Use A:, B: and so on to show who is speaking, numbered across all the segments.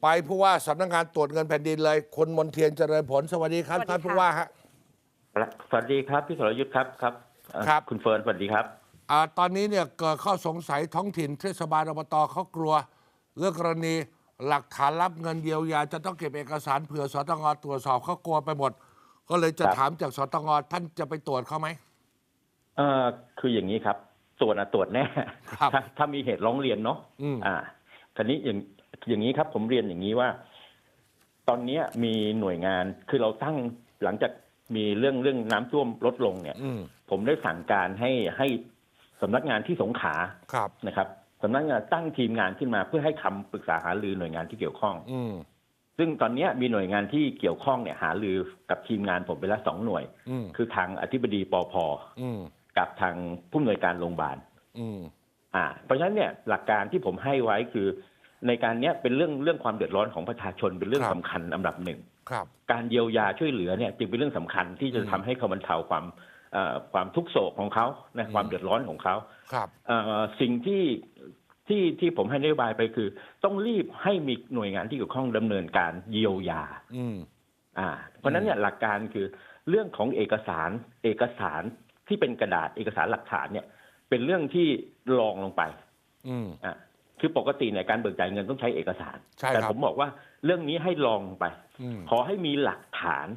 A: ไปผู้ว่าสำนักงานตรวจเงินแผ่นดินเลยคุณมนเทียนเจริญผลสวัสดีครับท่านผู้ว่าฮะ
B: สวัสดีครับพี่สรยุทธ์ครับ
A: ครับ
B: คุณเฟิร์นสวัสดีครับ
A: ตอนนี้เนี่ยเกิดข้อสงสัยท้องถิ่นเทศบาลอบตเขากลัวเรื่องกรณีหลักฐานรับเงินเยียวยาจะต้องเก็บเอกสารเผื่อสตงตรวจสอบเขากลัวไปหมดก็เลยจะถามจากสตงท่านจะไปตรวจเขาไหม
B: คืออย่างนี้ครับตรวจแน่ถ้ามีเหตุร้องเรียนเนาะทีนี้อย่างนี้ครับผมเรียนอย่างนี้ว่า ตอนนี้มีหน่วยงานคือเราตั้งหลังจากมีเรื่องน้ำท่วมลดลงเนี่ยผมได้สั่งการให้สำนักงานที่สงขลานะครับสำนักงานตั้งทีมงานขึ้นมาเพื่อให้คำปรึกษาหารือหน่วยงานที่เกี่ยวข้องซึ่งตอนนี้มีหน่วยงานที่เกี่ยวข้องเนี่ยหารือกับทีมงานผมไปแล้ว2 หน่วยคือทางอธิบดีปภกับทางผู้อำนวยการโรงพยาบาลเพราะฉะนั้นเนี่ยหลักการที่ผมให้ไว้คือในการนี้เป็นเรื่องความเดือดร้อนของประชาชนเป็นเรื่องสำคัญอันดับหนึ่งการเยียวยาช่วยเหลือเนี่ยจึงเป็นเรื่องสำคัญที่จะทำให้เขาบรรเทาความทุกข์โศกของเขานะความเดือดร้อนของเขาสิ่งที่ผมให้นโยบายไปคือต้องรีบให้มีหน่วยงานที่เกี่ยวข้องดำเนินการเยียวยาเพราะฉะนั้นเนี่ยหลักการคือเรื่องของเอกสารที่เป็นกระดาษเอกสารหลักฐานเนี่ยเป็นเรื่องที่รองลงไปคือปกติเนี่ยการเบิกจ่ายเงินต้องใช้เอกสารแต่ผมบอกว่าเรื่องนี้ให้ลองไปขอให้มีหลักฐาน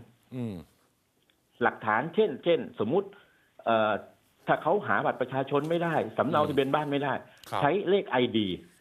B: เช่นสมมุติถ้าเขาหาบัตรประชาชนไม่ได้สำเนาทะเบียนบ้านไม่ได้ใช้เลข ID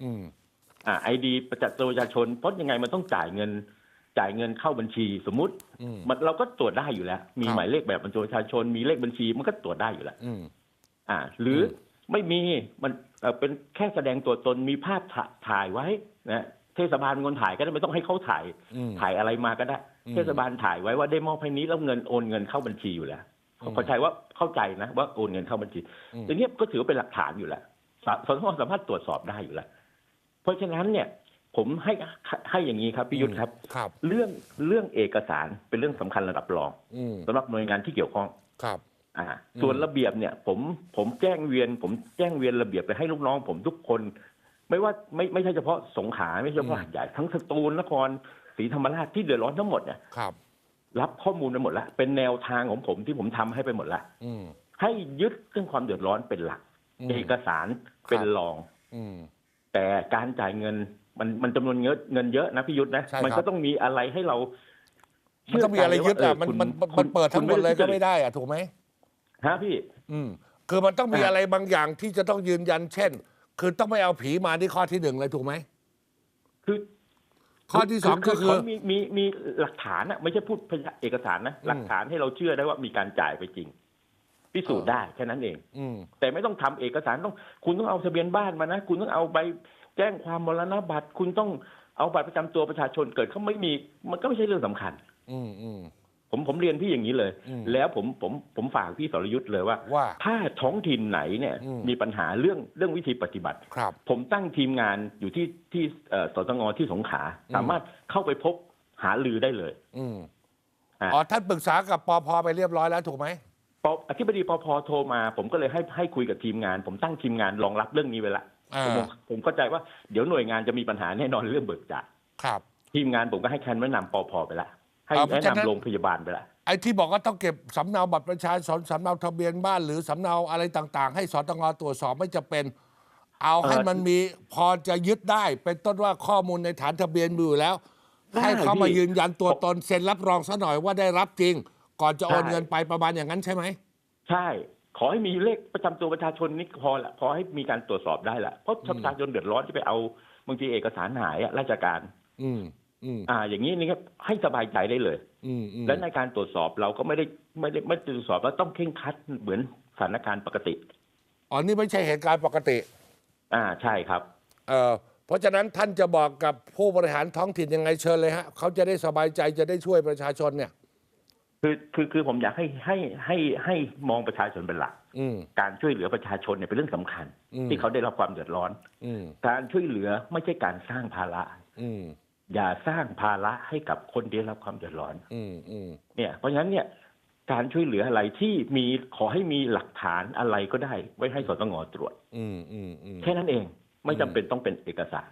B: ID ประชาชนเพราะยังไงมันต้องจ่ายเงินเข้าบัญชีสมมุติเราก็ตรวจได้อยู่แล้วมีหมายเลขแบบบัตรประชาชนมีเลขบัญชีมันก็ตรวจได้อยู่แล้วหรือไม่มีมันเป็นแค่แสดงตัวตนมีภาพถ่ายไว้นะเทศบาลเป็นคนถ่ายก็ได้ไม่ต้องให้เขาถ่ายอะไรมาก็ได้เทศบาลถ่ายไว้ว่าได้มอบให้นี้แล้วโอนเงินเข้าบัญชีอยู่แล้วเข้าใจนะว่าโอนเงินเข้าบัญชีอย่างนี้ก็ถือว่าเป็นหลักฐานอยู่แล้วสตงสามารถตรวจสอบได้อยู่แล้วเพราะฉะนั้นเนี่ยผมให้อย่างนี้ครับพี่ยุทธครับเรื่องเอกสารเป็นเรื่องสำคัญระดับรองสำหรับหน่วยงานที่เกี่ยวข้องส่วนระเบียบเนี่ยผมแจ้งเวียนระเบียบไปให้ลูกน้องผมทุกคนไม่ว่าไม่ใช่เฉพาะสงขลาไม่ใช่เฉพาะหาดใหญ่ทั้งสตูลนครศรีธรรมราชที่เดือดร้อนทั้งหมดเนี่ยรับข้อมูลไปหมดแล้วเป็นแนวทางของผมที่ผมทำให้ไปหมดแล้วให้ยึดเรื่องความเดือดร้อนเป็นหลักเอกสารเป็นรองแต่การจ่ายเงินมันจำนวนเงินเยอะนะพี่ยุทธนะมันก็ต้องมีอะไรให้เรา
A: มันต้องมีอะไรยึดมันเปิดทั้งหมดเลยก็ไม่ได้ถูกไหม
B: พี่
A: คือมันต้องมีอะไรบางอย่างที่จะต้องยืนยันเช่นคือต้องไม่เอาผีมาที่ข้อที่1เลยถูกไหม
B: คือ
A: ข้อที่2ก็คือ
B: มีหลักฐานนะไม่ใช่พูดเอกสารนะหลักฐานให้เราเชื่อได้ว่ามีการจ่ายไปจริงพิสูจน์ได้แค่นั้นเองแต่ไม่ต้องทำเอกสารคุณต้องเอาทะเบียนบ้านมานะคุณต้องเอาใบแจ้งความมรณบัตรคุณต้องเอาบัตรประจำตัวประชาชนเกิดเขาไม่มีมันก็ไม่ใช่เรื่องสำคัญผมเรียนพี่อย่างนี้เลยแล้วผมฝากพี่สรยุทธ์เลยว่าถ้าท้องถิ่นไหนเนี่ยมีปัญหาเรื่องวิธีปฏิบัติผมตั้งทีมงานอยู่ที่สตงที่สงขลาสามารถเข้าไปพบหารือได้เลย
A: ท่านปรึกษากับปภไปเรียบร้อยแล้วถูกไหม
B: อธิบดีปภโทรมาผมก็เลยให้คุยกับทีมงานผมตั้งทีมงานรองรับเรื่องนี้ไว้ละผมเข้าใจว่าเดี๋ยวหน่วยงานจะมีปัญหาแน่นอนเรื่องเบิกจ่ายทีมงานผมก็ให้คำแนะนำปภไปละให้แนะนำโรงพยาบาลไปละ
A: ไอ้ที่บอกว่าต้องเก็บสำเนาบัตรประชาชนสำเนาทะเบียนบ้านหรือสำเนาอะไรต่างๆให้สตงตรวจสอบไม่จะเป็นเอาให้มันมีพอจะยึดได้เป็นต้นว่าข้อมูลในฐานทะเบียนมีอยู่แล้วให้เขามายืนยันตัวตนเซ็นรับรองซะหน่อยว่าได้รับจริงก่อนจะโอนเงินไปประมาณอย่างนั้นใช่ไหม
B: ใช่ขอให้มีเลขประจำตัวประชาชนนี่พอละพอให้มีการตรวจสอบได้ละเพราะประชาชนเดือดร้อนที่ไปเอาบางทีเอกสารหายราชการอย่างนี้นี่ครับให้สบายใจได้เลยและในการตรวจสอบเราก็ไม่ตรวจสอบแล้วต้องเคร่งครัดเหมือนสถานการณ์ปกติ
A: นี่ไม่ใช่เหตุการณ์ปกติ
B: ใช่ครับ
A: เพราะฉะนั้นท่านจะบอกกับผู้บริหารท้องถิ่นยังไงเชิญเลยฮะเขาจะได้สบายใจจะได้ช่วยประชาชนเนี่ย
B: คือผมอยากให้มองประชาชนเป็นหลักการช่วยเหลือประชาชนเนี่ยเป็นเรื่องสำคัญที่เขาได้รับความเดือดร้อนการช่วยเหลือไม่ใช่การสร้างภาระอย่าสร้างภาระให้กับคนที่ได้รับความเดือดร้อนเนี่ยเพราะฉะนั้นเนี่ยการช่วยเหลืออะไรที่ขอให้มีหลักฐานอะไรก็ได้ไว้ให้สตงตรวจแค่นั้นเองไม่จำเป็นต้องเป็นเอกสาร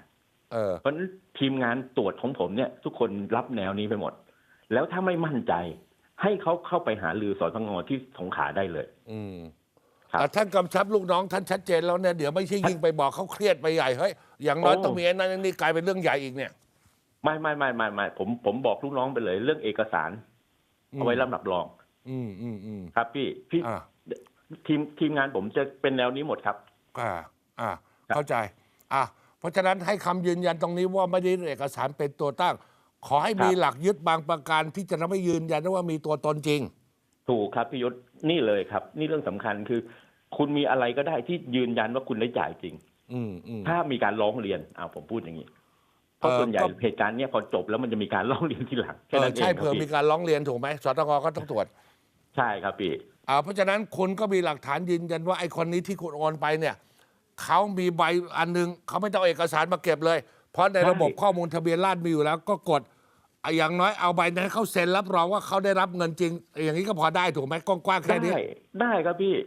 B: เพราะฉะนั้นทีมงานตรวจของผมเนี่ย ทุกคนรับแนวนี้ไปหมด แล้วถ้าไม่มั่นใจ ให้เขาเข้าไปหารือสตงที่สงขลาได้เลย ครับ
A: ท่านกำชับลูกน้องท่านชัดเจนแล้วเนี่ยเดี๋ยวไม่ใช่ยิ่งไปบอกเขาเครียดไปใหญ่เฮ้ยอย่างน้อยต้องมีไอ้นั่นนี่กลายเป็นเรื่องใหญ่อีกเนี่ย
B: ไม่ผมบอกลูกน้องไปเลย เรื่องเอกสารเอาไว้ลำดับรอง ครับพี่
A: อ่า
B: ทีมงานผมจะเป็นแนวนี้หมดครับ
A: เข้าใจเพราะฉะนั้นให้คำยืนยันตรงนี้ว่าไม่ได้เอกสารเป็นตัวตั้ง ขอให้มี
B: ครับ
A: หลักยึดบางประการที่จะทำให้ยืนยันได้ว่ามีตัวตนจริง
B: ถูกครับพี่ยศนี่เลยครับ นี่เรื่องสำคัญคือ คุณมีอะไรก็ได้ที่ยืนยันว่าคุณได้จ่ายจริง ถ้ามีการร้องเรียนผมพูดอย่างนี้เพราะส่วนใหญ่
A: ก็
B: เหตุการณ์เนี้ยพอจบแล้วมันจะมีการร้องเรียนทีหลังแค่นั้นเอง
A: ใช่
B: ครั
A: เผื่อบ มี
B: พี่
A: การร้องเรียนถูกไหมสตงก็ต้องตรวจ
B: ใช่ครับพี่
A: เพราะฉะนั้นคุณก็มีหลักฐานยืนยันว่าไอ้คนนี้ที่คุณโอนไปเนี่ยเขามีใบอันนึงเขาไม่ต้องเอาเอกสารมาเก็บเลย เพราะในระบบข้อมูลทะเบียนราษฎร์มีอยู่แล้วก็กดอย่างน้อยเอาใบนั้นให้เขาเซ็นรับรองว่าเขาได้รับเงินจริง อย่างนี้ก็พอได้ถูกไหมกว้างๆแค่นี้
B: ได้ครับพี่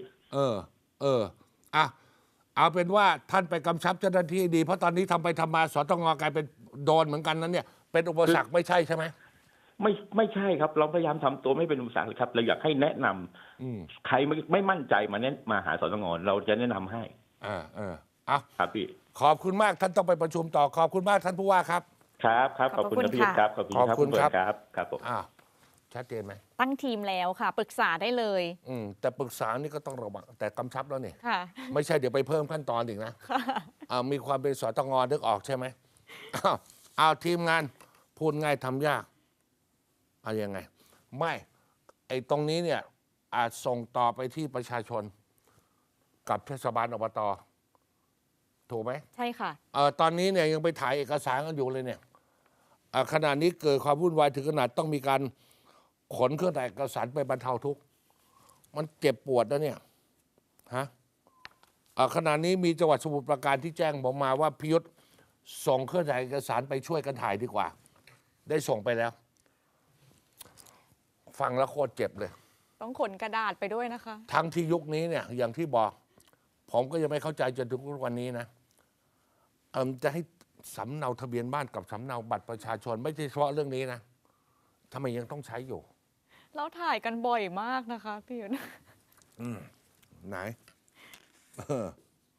A: เอาเป็นว่าท่านไปกำชับเจ้าหน้าที่ดีเพราะตอนนี้ทำไปทำมาสตงกลายเป็นโดนเหมือนกันนั้นเนี่ยเป็นอุปสรรคไม่ใช่ใช่ไหม
B: ไม่ใช่ครับ เราพยายามทำตัวไม่เป็นอุปสรรคเลยครับเราอยากให้แนะนำใครไม่มั่นใจมาหาสตงเราจะแนะนำให้ครับพี่
A: ขอบคุณมากท่านต้องไปประชุมต่อขอบคุณมากท่านผู้ว่าครับ
B: ครับขอบคุณครับพี่ครับขอบคุณครับ
A: ขอบคุณครับ
B: ครับผม
A: ชัดเจนไหม
C: ตั้งทีมแล้วค่ะ ปรึกษาได้เลย
A: แต่ปรึกษานี่ก็ต้องระวังแต่กำชับแล้วนี่
C: ค่ะ
A: ไม่ใช่เดี๋ยวไปเพิ่มขั้นตอนอีกนะมีความเป็นสตงนึกออกใช่ไหมเอาทีมงานพูดง่ายทำยากเอายังไง ไม่ไอ้ตรงนี้เนี่ยอาจส่งต่อไปที่ประชาชน กับเทศบาลอบตถูกไหม
C: ใช่ค่ะ
A: ตอนนี้เนี่ยยังไปถ่ายเอกสารกันอยู่เลยเนี่ยขณะนี้เกิดความวุ่นวายถึงขนาดต้องมีการขนเครื่องถ่ายเอกสารไปบรรเทาทุกข์มันเจ็บปวดนะเนี่ยขณะนี้มีจังหวัดสมุทรปราการที่แจ้งผมมาว่าพิยุทธส่งเครื่องถ่ายเอกสารไปช่วยกันถ่ายดีกว่า ได้ส่งไปแล้ว ฟังแล้วโคตรเจ็บเลย
C: ต้องขนกระดาษไปด้วยนะคะ
A: ทั้งที่ยุคนี้เนี่ยอย่างที่บอก ผมก็ยังไม่เข้าใจจนถึงวันนี้นะจะให้สำเนาทะเบียนบ้านกับสำเนาบัตรประชาชนไม่ใช่เฉพาะเรื่องนี้นะทำไมยังต้องใช้อยู่
C: แล้วถ่ายกันบ่อยมากนะคะพี่ยุทธ
A: ไหน